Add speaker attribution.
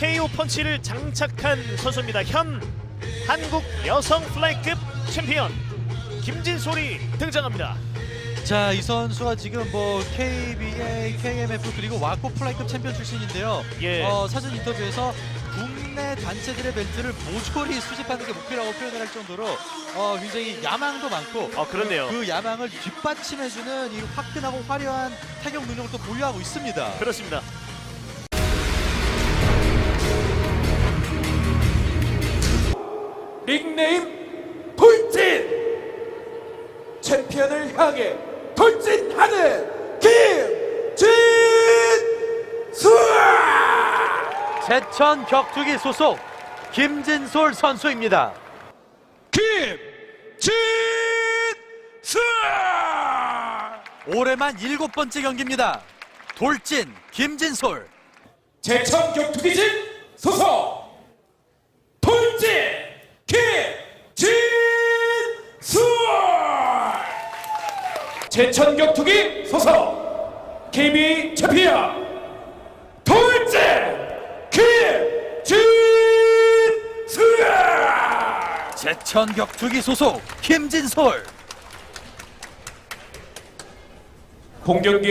Speaker 1: KO 펀치를 장착한 선수입니다. 현 한국 여성 플라이급 챔피언 김진솔이 등장합니다.
Speaker 2: 자, 이 선수가 지금 뭐 KBA, KMF 그리고 와코 플라이급 챔피언 출신인데요.
Speaker 1: 예.
Speaker 2: 사전 인터뷰에서 국내 단체들의 벨트를 모조리 수집하는 게 목표라고 표현을 할 정도로 굉장히 야망도 많고
Speaker 1: 그렇네요.
Speaker 2: 그 야망을 뒷받침해주는 이 화끈하고 화려한 타격 능력을 또 보유하고 있습니다.
Speaker 1: 그렇습니다.
Speaker 3: 닉네임 돌진! 챔피언을 향해 돌진하는 김진솔!
Speaker 2: 제천 격투기 소속 김진솔 선수입니다.
Speaker 3: 김진솔!
Speaker 2: 올해만 7번째 경기입니다. 돌진 김진솔.
Speaker 3: 제천 격투기진 소속 돌진 김진솔! 제천 격투기 소속 KBA 챔피언 돌진 김진솔!
Speaker 2: 제천 격투기 소속 김진솔.
Speaker 3: 공격기